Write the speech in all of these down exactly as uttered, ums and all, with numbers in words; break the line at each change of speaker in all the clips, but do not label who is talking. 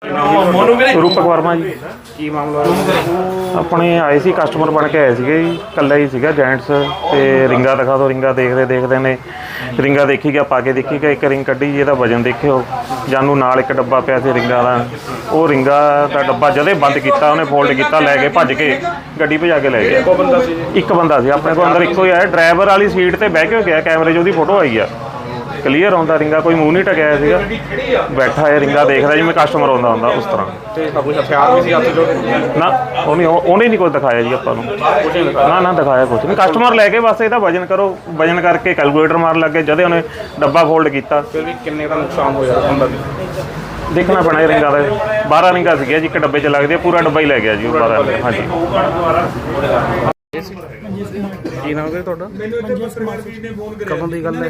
रूपक वर्मा जी
ਕੀ ਮਾਮਲਾ
अपने आए सी कस्टमर बन के आए थे जी कल्ला ही सीगा जेंट्स ते रिंगा दिखा दो रिंगा देखते देखते ने रिंगा देखी गया पा के देखी गया एक रिंग कड्ढी जी वजन देखियो जानू नाल एक डब्बा पिया सी रिंगा दा वो रिंगा दा डब्बा जदे बंद किया उन्हें फोल्ड किया लै गए भज के गड्डी भजा के लै गया एक बंदा सी अपने को अंदर इको ही आया ड्राइवर वाली सीट ते बह के गया कैमरे च उसकी फोटो आई आ क्लीयर आउंदा रिंगा कोई मूँह नहीं टकिया सीगा बैठा है रिंगा देखदा जिवें कस्टमर आउंदा हुंदा उस तरह
कुछ हथियार भी सी हत्थ जो
ना उन्हें उन्हें नहीं कुछ दिखाया जी आपां नूं ना ना दिखाया कुछ नहीं कस्टमर लैके बस इहदा वजन करो वजन करके कैलकुलेटर मार लग गए जदे उन्हें डब्बा फोल्ड किया
फिर भी किन्ने का नुकसान होया बंदा दी
देखना पैना रिंगा का बारह रिंगा सी जी एक डब्बे च लगदी पूरा डब्बा ही लै गया जी बारह हाँ जी
ਕੀ ਨਾਮ ਹੈ ਤੁਹਾਡਾ ਕਦੋਂ ਦੀ ਗੱਲ ਹੈ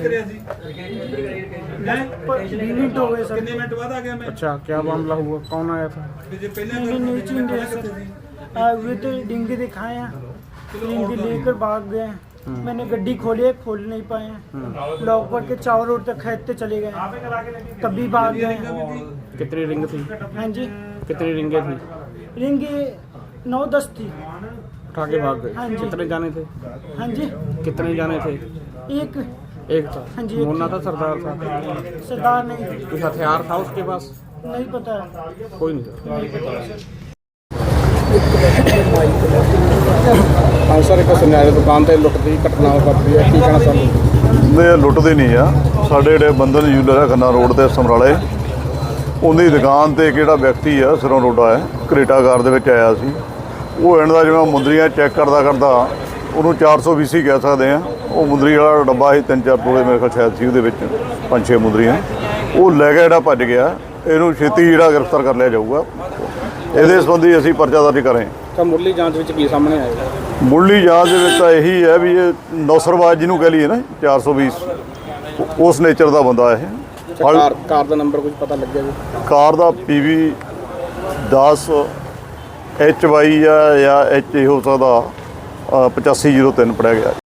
मिनट हो गए सर। कितने मिनट बाद आ गया मैं?
अच्छा क्या मामला हुआ कौन आया था
नहीं नीचे इंडिया सर आए हुए थे डिंगे दिखाए हैं डिंगे लेकर भाग गए हैं। मैंने गड्डी खोली है खोल नहीं पाए हैं लॉक पर के चारों रोड तक खेदते चले गए तभी भाग गए हैं।
कितनी रिंग थी
हाँ जी
कितनी रिंगे थी
रिंगे नौ दस थी
उठा के भाग गए
हाँ जी।
कितने जाने थे
हाँ जी
कितने जाने थे
एक
एक था
हाँ जी, एक
मुन्ना था सरदार था
सरदार नहीं थी
कुछ हथियार था उसके पास
नहीं पता है
कोई नहीं था हाँ सर एक सुनिया दुकान से लुट की घटना वापरी है की कहना चाहूँगा
ਦੇ ਲੁੱਟਦੇ ਨਹੀਂ ਆ ਸਾਡੇ ਜਿਹੜੇ ਬੰਧਨ ਜੂਲਰ ਹੈ ਖੰਨਾ ਰੋਡ ਤੇ ਸਮਰਾਲੇ ਉਹਦੀ ਦੁਕਾਨ ਤੇ ਕਿਹੜਾ ਵਿਅਕਤੀ ਆ ਸਿਰੋਂ ਰੋਡਾ ਹੈ ਕਰੇਟਾਗਾਰ ਦੇ ਵਿੱਚ ਆਇਆ ਸੀ ਉਹ ਇਹਨਾਂ ਦਾ ਜਿਵੇਂ ਮੁੰਦਰੀਆਂ ਚੈੱਕ ਕਰਦਾ ਕਰਦਾ ਉਹਨੂੰ ਚਾਰ ਸੌ ਵੀਹ ਸੀ ਕਹਿ ਸਕਦੇ ਆ ਉਹ ਮੁੰਦਰੀ ਵਾਲਾ ਡੱਬਾ ਸੀ ਤਿੰਨ ਚਾਰ ਤੋਲੇ ਮੇਰੇ ਖਿਆਲ ਸ਼ਾਇਦ ਸੀ ਉਹਦੇ ਵਿੱਚ ਪੰਜ ਛੇ ਮੁੰਦਰੀਆਂ ਉਹ ਲੈ ਕੇ ਜਿਹੜਾ ਭੱਜ ਗਿਆ ਇਹਨੂੰ ਛੇਤੀ ਜਿਹੜਾ ਗ੍ਰਿਫਤਾਰ ਕਰ ਲਿਆ ਜਾਊਗਾ ਇਹਦੇ ਸੰਬੰਧੀ ਅਸੀਂ ਪਰਚਾ ਦਰਜ ਕਰਾਂਗੇ।
ਤਾਂ ਮੁੱਢਲੀ ਜਾਂਚ ਵਿੱਚ ਕੀ ਸਾਹਮਣੇ ਆਏਗਾ
ਮੁੱਢਲੀ ਜਾਂਚ ਦੇ ਵਿੱਚ ਤਾਂ ਇਹੀ ਹੈ ਵੀ ਇਹ ਨੌਸਰਵਾਜ ਜਿਹਨੂੰ ਕਹਿ ਲਈਏ ਨਾ ਚਾਰ ਸੌ ਵੀਹ ਉਸ ਨੇਚਰ ਦਾ ਬੰਦਾ ਇਹ
ਕਾਰ ਕਾਰ ਦਾ ਨੰਬਰ ਕੁਝ ਪਤਾ ਲੱਗਿਆ ਜੀ
ਕਾਰ ਦਾ ਪੀ ਵੀ ਦਸ ਐਚ ਵਾਈ ਆ ਜਾਂ ਐਚ ਹੋ ਸਕਦਾ ਪਚਾਸੀ ਜ਼ੀਰੋ ਤਿੰਨ ਪੜਿਆ ਗਿਆ।